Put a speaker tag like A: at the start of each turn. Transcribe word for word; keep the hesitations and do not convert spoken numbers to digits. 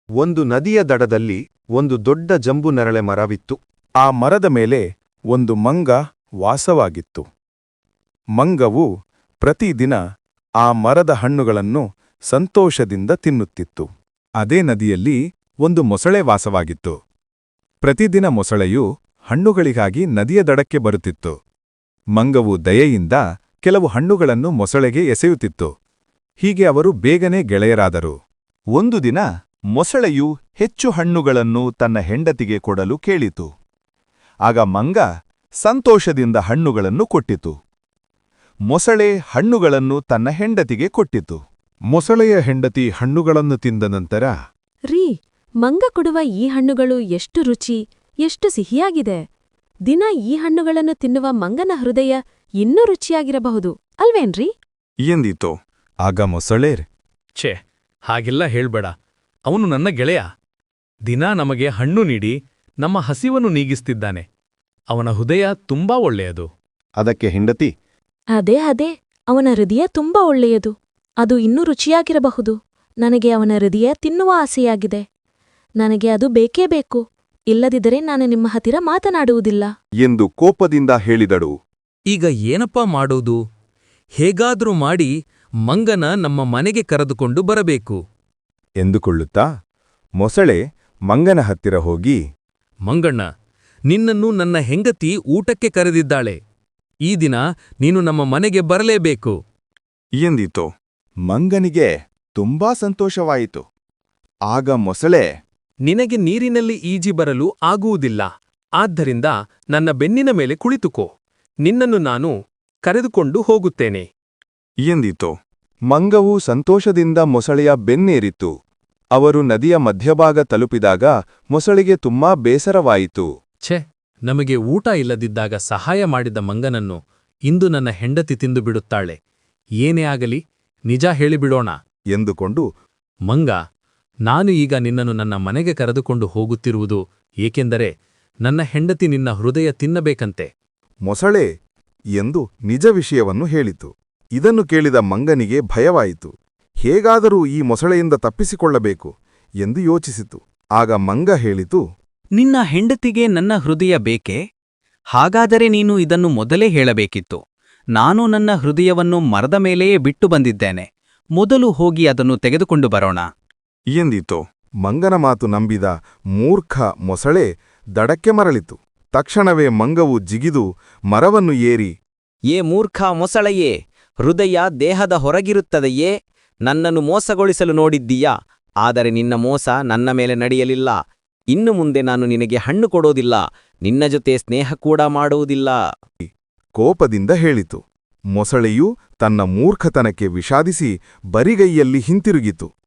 A: ಒಂದು ನದಿಯ ದಡದಲ್ಲಿ ಒಂದು ದೊಡ್ಡ ಜಂಬು ನೆರಳೆ ಮರವಿತ್ತು.
B: ಆ ಮರದ ಮೇಲೆ ಒಂದು ಮಂಗ ವಾಸವಾಗಿತ್ತು. ಮಂಗವು ಪ್ರತಿದಿನ ಆ ಮರದ ಹಣ್ಣುಗಳನ್ನು ಸಂತೋಷದಿಂದ ತಿನ್ನುತ್ತಿತ್ತು. ಅದೇ ನದಿಯಲ್ಲಿ ಒಂದು ಮೊಸಳೆ ವಾಸವಾಗಿತ್ತು. ಪ್ರತಿದಿನ ಮೊಸಳೆಯು ಹಣ್ಣುಗಳಿಗಾಗಿ ನದಿಯ ದಡಕ್ಕೆ ಬರುತ್ತಿತ್ತು. ಮಂಗವು ದಯೆಯಿಂದ ಕೆಲವು ಹಣ್ಣುಗಳನ್ನು ಮೊಸಳೆಗೆ ಎಸೆಯುತ್ತಿತ್ತು. ಹೀಗೆ ಅವರು ಬೇಗನೆ ಗೆಳೆಯರಾದರು.
A: ಒಂದು ದಿನ ಮೊಸಳೆಯು ಹೆಚ್ಚು ಹಣ್ಣುಗಳನ್ನು ತನ್ನ ಹೆಂಡತಿಗೆ ಕೊಡಲು ಕೇಳಿತು. ಆಗ ಮಂಗ ಸಂತೋಷದಿಂದ ಹಣ್ಣುಗಳನ್ನು ಕೊಟ್ಟಿತು. ಮೊಸಳೆ ಹಣ್ಣುಗಳನ್ನು ತನ್ನ ಹೆಂಡತಿಗೆ ಕೊಟ್ಟಿತು.
B: ಮೊಸಳೆಯ ಹೆಂಡತಿ ಹಣ್ಣುಗಳನ್ನು ತಿಂದ ನಂತರ,
C: ರೀ, ಮಂಗ ಕೊಡುವ ಈ ಹಣ್ಣುಗಳು ಎಷ್ಟು ರುಚಿ, ಎಷ್ಟು ಸಿಹಿಯಾಗಿದೆ. ದಿನ ಈ ಹಣ್ಣುಗಳನ್ನು ತಿನ್ನುವ ಮಂಗನ ಹೃದಯ ಇನ್ನೂ ರುಚಿಯಾಗಿರಬಹುದು ಅಲ್ವೇನ್ರಿ
B: ಎಂದಿತು. ಆಗ ಮೊಸಳೆ,
D: ಛೇ, ಹಾಗೆಲ್ಲ ಹೇಳ್ಬೇಡ. ಅವನು ನನ್ನ ಗೆಳೆಯ. ದಿನಾ ನಮಗೆ ಹಣ್ಣು ನೀಡಿ ನಮ್ಮ ಹಸಿವನ್ನು ನೀಗಿಸ್ತಿದ್ದಾನೆ. ಅವನ ಹೃದಯ ತುಂಬಾ ಒಳ್ಳೆಯದು.
A: ಅದಕ್ಕೆ ಹೆಂಡತಿ,
C: ಅದೇ ಅದೇ ಅವನ ಹೃದಯ ತುಂಬಾ ಒಳ್ಳೆಯದು. ಅದು ಇನ್ನೂ ರುಚಿಯಾಗಿರಬಹುದು. ನನಗೆ ಅವನ ಹೃದಯ ತಿನ್ನುವ ಆಸೆಯಾಗಿದೆ. ನನಗೆ ಅದು ಬೇಕೇ ಬೇಕು. ಇಲ್ಲದಿದ್ದರೆ ನಾನು ನಿಮ್ಮ ಹತ್ತಿರ ಮಾತನಾಡುವುದಿಲ್ಲ
A: ಎಂದು ಕೋಪದಿಂದ ಹೇಳಿದಳು.
D: ಈಗ ಏನಪ್ಪಾ ಮಾಡೋದು? ಹೇಗಾದ್ರೂ ಮಾಡಿ ಮಂಗನ ನಮ್ಮ ಮನೆಗೆ ಕರೆದುಕೊಂಡು ಬರಬೇಕು
B: ಎಂದುಕೊಳ್ಳುತ್ತಾ ಮೊಸಳೆ ಮಂಗನ ಹತ್ತಿರ ಹೋಗಿ,
D: ಮಂಗಣ್ಣ, ನಿನ್ನನ್ನು ನನ್ನ ಹೆಂಗತಿ ಊಟಕ್ಕೆ ಕರೆದಿದ್ದಾಳೆ. ಈ ದಿನ ನೀನು ನಮ್ಮ ಮನೆಗೆ ಬರಲೇಬೇಕು
B: ಎಂದಿತು. ಮಂಗನಿಗೆ ತುಂಬಾ ಸಂತೋಷವಾಯಿತು. ಆಗ ಮೊಸಳೆ,
D: ನಿನಗೆ ನೀರಿನಲ್ಲಿ ಈಜಿ ಬರಲು ಆಗುವುದಿಲ್ಲ. ಆದ್ದರಿಂದ ನನ್ನ ಬೆನ್ನಿನ ಮೇಲೆ ಕುಳಿತುಕೋ. ನಿನ್ನನ್ನು ನಾನು ಕರೆದುಕೊಂಡು ಹೋಗುತ್ತೇನೆ
B: ಎಂದಿತು.
A: ಮಂಗವು ಸಂತೋಷದಿಂದ ಮೊಸಳೆಯ ಬೆನ್ನೇರಿತು. ಅವರು ನದಿಯ ಮಧ್ಯಭಾಗ ತಲುಪಿದಾಗ ಮೊಸಳೆಗೆ ತುಂಬಾ ಬೇಸರವಾಯಿತು.
D: ಛೆ, ನಮಗೆ ಊಟ ಇಲ್ಲದಿದ್ದಾಗ ಸಹಾಯ ಮಾಡಿದ ಮಂಗನನ್ನು ಇಂದು ನನ್ನ ಹೆಂಡತಿ ತಿಂದು ಬಿಡುತ್ತಾಳೆ. ಏನೇ ಆಗಲಿ ನಿಜ ಹೇಳಿಬಿಡೋಣ
B: ಎಂದುಕೊಂಡು,
D: ಮಂಗ, ನಾನು ಈಗ ನಿನ್ನನ್ನು ನನ್ನ ಮನೆಗೆ ಕರೆದುಕೊಂಡು ಹೋಗುತ್ತಿರುವುದು ಏಕೆಂದರೆ ನನ್ನ ಹೆಂಡತಿ ನಿನ್ನ ಹೃದಯ ತಿನ್ನಬೇಕಂತೆ.
B: ಮೊಸಳೆ ಎಂದು ನಿಜ ವಿಷಯವನ್ನು ಹೇಳಿತು. ಇದನ್ನು ಕೇಳಿದ ಮಂಗನಿಗೆ ಭಯವಾಯಿತು. ಹೇಗಾದರೂ ಈ ಮೊಸಳೆಯಿಂದ ತಪ್ಪಿಸಿಕೊಳ್ಳಬೇಕು ಎಂದು ಯೋಚಿಸಿತು. ಆಗ ಮಂಗ ಹೇಳಿತು,
E: ನಿನ್ನ ಹೆಂಡತಿಗೆ ನನ್ನ ಹೃದಯ ಬೇಕೇ? ಹಾಗಾದರೆ ನೀನು ಇದನ್ನು ಮೊದಲೇ ಹೇಳಬೇಕಿತ್ತು. ನಾನು ನನ್ನ ಹೃದಯವನ್ನು ಮರದ ಮೇಲೆಯೇ ಬಿಟ್ಟು ಬಂದಿದ್ದೇನೆ. ಮೊದಲು ಹೋಗಿ ಅದನ್ನು ತೆಗೆದುಕೊಂಡು ಬರೋಣ
B: ಎಂದಿತು. ಮಂಗನ ಮಾತು ನಂಬಿದ ಮೂರ್ಖ ಮೊಸಳೆ ದಡಕ್ಕೆ ಮರಳಿತು. ತಕ್ಷಣವೇ ಮಂಗವು ಜಿಗಿದು ಮರವನ್ನು ಏರಿ,
E: ಏ ಮೂರ್ಖ ಮೊಸಳೆಯೇ, ಹೃದಯ ದೇಹದ ಹೊರಗಿರುತ್ತದೆಯೇ? ನನ್ನನ್ನು ಮೋಸಗೊಳಿಸಲು ನೋಡಿದ್ದೀಯಾ? ಆದರೆ ನಿನ್ನ ಮೋಸ ನನ್ನ ಮೇಲೆ ನಡೆಯಲಿಲ್ಲ. ಇನ್ನು ಮುಂದೆ ನಾನು ನಿನಗೆ ಹಣ್ಣು ಕೊಡೋದಿಲ್ಲ. ನಿನ್ನ ಜೊತೆ ಸ್ನೇಹ ಕೂಡ ಮಾಡುವುದಿಲ್ಲ
B: ಕೋಪದಿಂದ ಹೇಳಿತು. ಮೊಸಳೆಯು ತನ್ನ ಮೂರ್ಖತನಕ್ಕೆ ವಿಷಾದಿಸಿ ಬರಿಗೈಯಲ್ಲಿ ಹಿಂತಿರುಗಿತು.